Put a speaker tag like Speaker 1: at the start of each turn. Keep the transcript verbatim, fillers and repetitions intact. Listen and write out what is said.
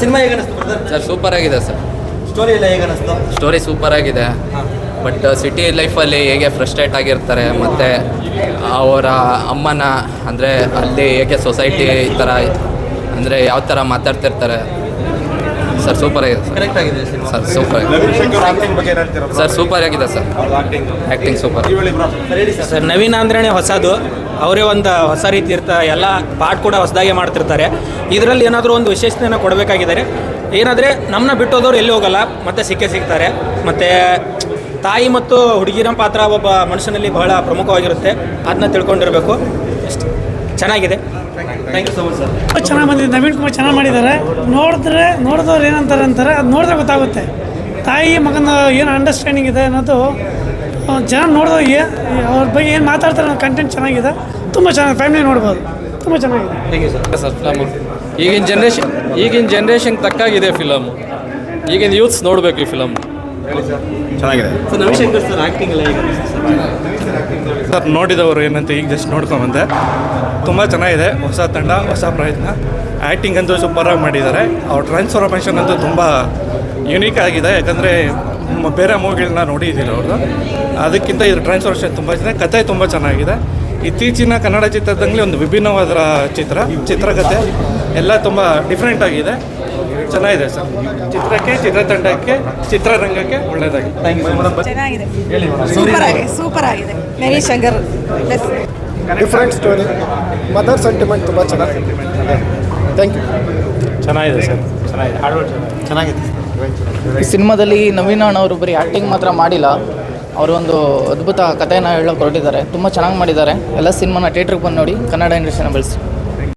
Speaker 1: Cinema ಹೇಗೆ ಅನಿಸ್ತು brother?
Speaker 2: Sir super ಆಗಿದೆ ಸರ್.
Speaker 1: ಸ್ಟೋರಿ ಎಲ್ಲ ಹೇಗೆ ಅನಿಸ್ತು?
Speaker 2: ಸ್ಟೋರಿ ಸೂಪರ್ ಆಗಿದೆ. ಬಟ್ ಸಿಟಿ ಲೈಫಲ್ಲಿ ಹೇಗೆ ಫ್ರಸ್ಟ್ರೇಟ್ ಆಗಿರ್ತಾರೆ ಮತ್ತು ಅವರ ಅಮ್ಮನ ಅಂದರೆ ಅಲ್ಲಿ ಹೇಗೆ ಸೊಸೈಟಿ ಈ ಥರ ಅಂದರೆ ಯಾವ ಥರ ಮಾತಾಡ್ತಿರ್ತಾರೆ ಸರ್. ಸೂಪರ್ ಆಗಿದೆ ಸರ್.
Speaker 1: ಕರೆಕ್ಟ್ ಆಗಿದೆ cinema
Speaker 2: sir super sir. Super ಆಗಿದೆ sir. Acting super
Speaker 3: sir. Naveen ಆಂಧ್ರನೇ ಹೊಸದು, ಅವರೇ ಒಂದು ಹೊಸ ರೀತಿ ಇರ್ತಾ ಎಲ್ಲ ಪಾಠ ಕೂಡ ಹೊಸದಾಗಿ ಮಾಡ್ತಿರ್ತಾರೆ. ಇದರಲ್ಲಿ ಏನಾದರೂ ಒಂದು ವಿಶೇಷತೆಯನ್ನು ಕೊಡಬೇಕಾಗಿದ್ದಾರೆ. ಏನಾದರೆ ನಮ್ಮನ್ನ ಬಿಟ್ಟೋದವ್ರು ಎಲ್ಲಿ ಹೋಗಲ್ಲ, ಮತ್ತೆ ಸಿಕ್ಕೇ ಸಿಗ್ತಾರೆ. ಮತ್ತು ತಾಯಿ ಮತ್ತು ಹುಡುಗಿರ ಪಾತ್ರ ಒಬ್ಬ ಮನುಷ್ಯನಲ್ಲಿ ಬಹಳ ಪ್ರಮುಖವಾಗಿರುತ್ತೆ, ಅದನ್ನ ತಿಳ್ಕೊಂಡಿರಬೇಕು. ಅಷ್ಟೇ, ಚೆನ್ನಾಗಿದೆ.
Speaker 1: Thank you so much sir.
Speaker 4: ಚೆನ್ನಾಗಿ ಬಂದಿದೆ. ನವೀನ್ ಕುಮಾರ್ ಚೆನ್ನಾಗಿ ಮಾಡಿದ್ದಾರೆ. ನೋಡಿದ್ರೆ ನೋಡಿದವ್ರು ಏನಂತಾರೆ ಅಂತಾರೆ, ಅದು ನೋಡಿದ್ರೆ ಗೊತ್ತಾಗುತ್ತೆ ತಾಯಿ ಮಗನ ಏನು ಅಂಡರ್ಸ್ಟ್ಯಾಂಡಿಂಗ್ ಇದೆ ಅನ್ನೋದು. ಜನ ನೋಡಿದವ್ರಿಗೆ ಅವ್ರ ಬಗ್ಗೆ ಏನು ಮಾತಾಡ್ತಾರೆ ಅನ್ನೋ ಕಂಟೆಂಟ್ ಚೆನ್ನಾಗಿದೆ. ತುಂಬ ಚೆನ್ನಾಗಿ ಫ್ಯಾಮಿಲಿ ನೋಡ್ಬೋದು. ತುಂಬ ಚೆನ್ನಾಗಿದೆ.
Speaker 1: Thank you sir.
Speaker 5: Sir film ಈಗಿನ ಜನ್ರೇಷನ್ ಈಗಿನ ಜನ್ರೇಷನ್ಗೆ ತಕ್ಕಾಗಿದೆ ಫಿಲಮು. ಈಗಿನ ಯೂತ್ಸ್ ನೋಡಬೇಕು ಈ ಫಿಲಮ್.
Speaker 6: ಚೆನ್ನಾಗಿದೆ
Speaker 1: ಸರ್. ನವಿಶಂಕರ್ ಸರ್ ಆ್ಯಕ್ಟಿಂಗ್ ಎಲ್ಲ ಹೇಗೆ ಅನಿಸ್ತು ಸರ್?
Speaker 6: ಸರ್ ನೋಡಿದವರು ಏನಂತ ಈಗ ಜಸ್ಟ್ ನೋಡ್ಕೊಂಬಂದೆ. ತುಂಬ ಚೆನ್ನಾಗಿದೆ. ಹೊಸ ತಂಡ, ಹೊಸ ಪ್ರಯತ್ನ. ಆ್ಯಕ್ಟಿಂಗ್ ಅಂತೂ ಸೂಪರಾಗಿ ಮಾಡಿದ್ದಾರೆ. ಅವ್ರ ಟ್ರಾನ್ಸ್ಫಾರ್ಮೇಷನ್ ಅಂತೂ ತುಂಬ ಯುನೀಕ್ ಆಗಿದೆ. ಯಾಕಂದರೆ ಬೇರೆ ಮೂವಿಗಳನ್ನ ನೋಡಿದ್ದೀರ ಅವ್ರದ್ದು, ಅದಕ್ಕಿಂತ ಇದ್ರ ಟ್ರಾನ್ಸ್ಫಾರ್ಮೇಷನ್ ತುಂಬ ಚೆನ್ನಾಗಿದೆ. ಕತೆ ತುಂಬ ಚೆನ್ನಾಗಿದೆ. ಇತ್ತೀಚಿನ ಕನ್ನಡ ಚಿತ್ರದಲ್ಲಿ ಒಂದು ವಿಭಿನ್ನವಾದ ಚಿತ್ರ ಚಿತ್ರಕಥೆ ಎಲ್ಲ ತುಂಬ ಡಿಫ್ರೆಂಟ್ ಆಗಿದೆ. ಚೆನ್ನಾಗಿದೆ ಸರ್. ಚಿತ್ರಕ್ಕೆ, ಚಿತ್ರತಂಡಕ್ಕೆ, ಚಿತ್ರರಂಗಕ್ಕೆ ಒಳ್ಳೆಯದಾಗಿದೆ.
Speaker 1: Thank you so much.
Speaker 7: ಚೆನ್ನಾಗಿದೆ. ಸೂಪರ್ ಆಗಿದೆ. ಸೂಪರ್ ಆಗಿದೆ. Naveen Shankar plus
Speaker 8: different story, mother sentiment ತುಂಬ ಚೆನ್ನಾಗಿದೆ. Thank you.
Speaker 3: ಚೆನ್ನಾಗಿದೆ ಸರ್. ಚೆನ್ನಾಗಿದೆ.
Speaker 1: ಚೆನ್ನಾಗಿದೆ.
Speaker 9: ಈ ಸಿನಿಮಾದಲ್ಲಿ ನವೀನ್ ಅಣ್ಣ ಅವರು ಬರೀ ಆ್ಯಕ್ಟಿಂಗ್ ಮಾತ್ರ ಮಾಡಿಲ್ಲ, ಅವರು ಒಂದು ಅದ್ಭುತ ಕಥೆಯನ್ನು ಹೇಳೋಕೆ ಹೊರಟಿದ್ದಾರೆ. ತುಂಬ ಚೆನ್ನಾಗಿ ಮಾಡಿದ್ದಾರೆ. ಎಲ್ಲ ಸಿನಿಮಾನ ಥಿಯೇಟ್ರಿಗೆ ಬಂದು ನೋಡಿ, ಕನ್ನಡ ಇಂಡಸ್ಟ್ರಿನ ಬೆಳೆಸಿ.